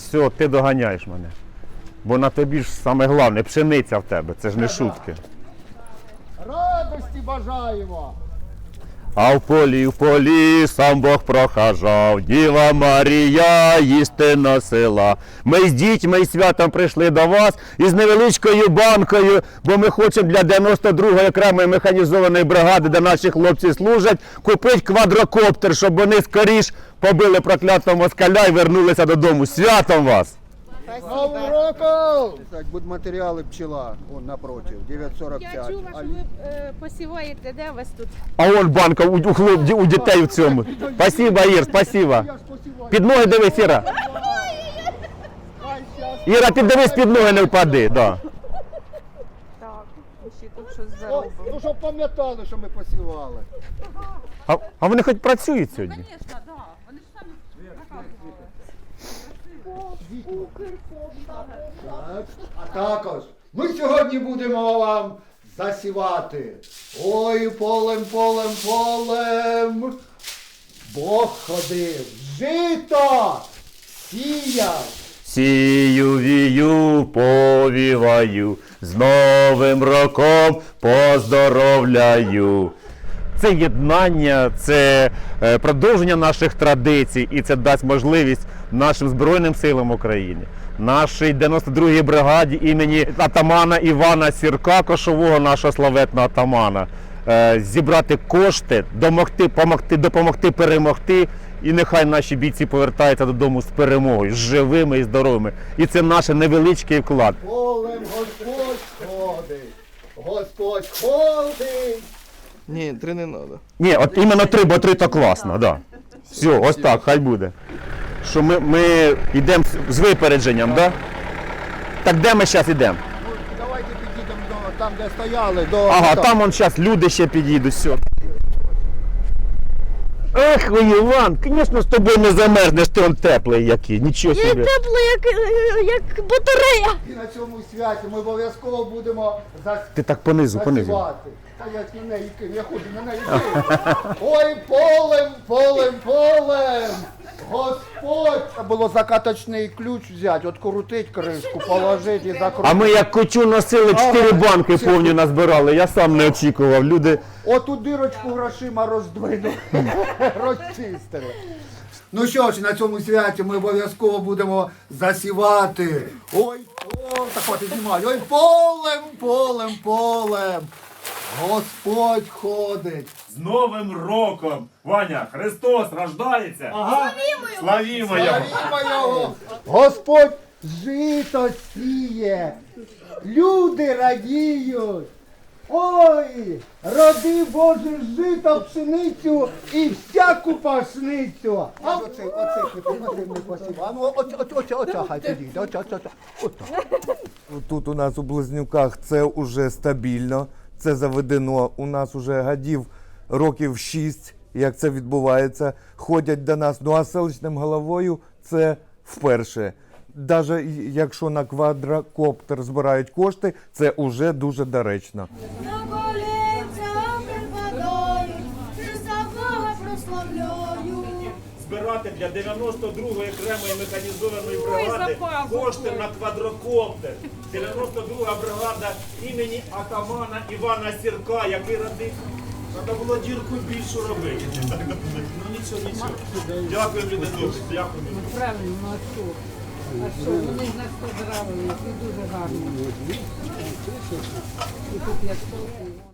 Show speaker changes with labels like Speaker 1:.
Speaker 1: все, ти доганяєш мене. Бо на тобі ж саме головне, пшениця в тебе, це ж не шутки.
Speaker 2: Радості бажаємо!
Speaker 1: А в полі сам Бог прохажав, Діва Марія їсти носила. Ми з дітьми і святом прийшли до вас із невеличкою банкою, бо ми хочемо для 92-ї окремої механізованої бригади, де наші хлопці служать, купити квадрокоптер, щоб вони скоріш побили проклятого москаля і вернулися додому. Святом вас!
Speaker 2: Новим роком! Так, будматеріали пчела, вон напротив, 9,45.
Speaker 3: Я чула, що ви посіваєте, де у вас тут?
Speaker 1: А вон банка у дітей в цьому. Спасибо, Ір, спасибо.
Speaker 2: Я ж посіваю.
Speaker 1: Під ноги дивись, Іра.
Speaker 2: Хай щас.
Speaker 1: Іра, ти дивись, під ноги не впади. Да.
Speaker 3: Так, ще тут щось
Speaker 2: О,
Speaker 3: заробили.
Speaker 2: ну щоб пам'ятали, що ми посівали.
Speaker 1: А вони хоч працюють сьогодні?
Speaker 3: Звісно, так. Вони ж самі показували.
Speaker 2: Так. А також ми сьогодні будемо вам засівати. Ой, полем, полем, полем. Бог ходив, жито сіяв.
Speaker 1: Сію, вію, повіваю, з Новим роком поздоровляю. Це єднання, це продовження наших традицій і це дасть можливість нашим Збройним силам України, нашій 92-й бригаді імені атамана Івана Сірка, кошового нашого славетного атамана, зібрати кошти, допомогти перемогти. І нехай наші бійці повертаються додому з перемогою, з живими і здоровими. І це наш невеличкий вклад.
Speaker 2: Полем Господь ходить, Господь ходить.
Speaker 4: Ні, 3 не треба.
Speaker 1: Ні, от іменно 3, бо 3 то класно, да. Все, ось так, хай буде. Що ми йдемо з випередженням, да? Так де ми зараз йдемо?
Speaker 2: Ну, давайте підійдемо до, там, де стояли, до...
Speaker 1: Ага, там вон зараз люди ще підійдуть, все. Ех, ой, Іван, звісно, з тобою не замерзнеш, ти он теплий який, нічого
Speaker 3: Я
Speaker 1: собі.
Speaker 3: тепло, як батарея.
Speaker 2: І на цьому святі ми обов'язково будемо
Speaker 1: Ти так понизу.
Speaker 2: засівати. Та я ж на неї кину, я ходжу на неї кину. Ой, полем, полем, полем. Господь! Треба було закаточний ключ взяти, от крутить кришку, положити і закрутити.
Speaker 1: А ми як кочу носили, 4 банки повні назбирали, я сам не очікував, люди...
Speaker 2: Оту дирочку грошима роздвинули, розчистили. Ну що ж, на цьому святі ми обов'язково будемо засівати. Ой, так от і знімаю. Ой, полем, полем, полем. Господь ходить.
Speaker 1: З Новим роком! Ваня, Христос рождається!
Speaker 2: Ага.
Speaker 1: Славімо його!
Speaker 2: Славімо його! Господь жито сіє. Люди радіють. Ой, роди Боже жито, пшеницю і всяку пашницю. А оце не посів. А ну оце хай підійде. Оце.
Speaker 4: Тут у нас у Близнюках це вже стабільно, це заведено. У нас вже годів років 6, як це відбувається. Ходять до нас, ну а селищним головою це вперше. Навіть якщо на квадрокоптер збирають кошти, це вже дуже доречно.
Speaker 5: На колінцях припадаю, Христа Бога прославляю.
Speaker 1: Збирати для 92-ї окремої механізованої бригади кошти на квадрокоптер. 92-га бригада імені атамана Івана Сірка, який родив. Треба було дірку більшу робити. Ну нічого. Дякую, люди добрі. Дякую.
Speaker 6: Правильно, а що? А що? Вони ж нас поздравили, і дуже гарно. І тут я стовпу.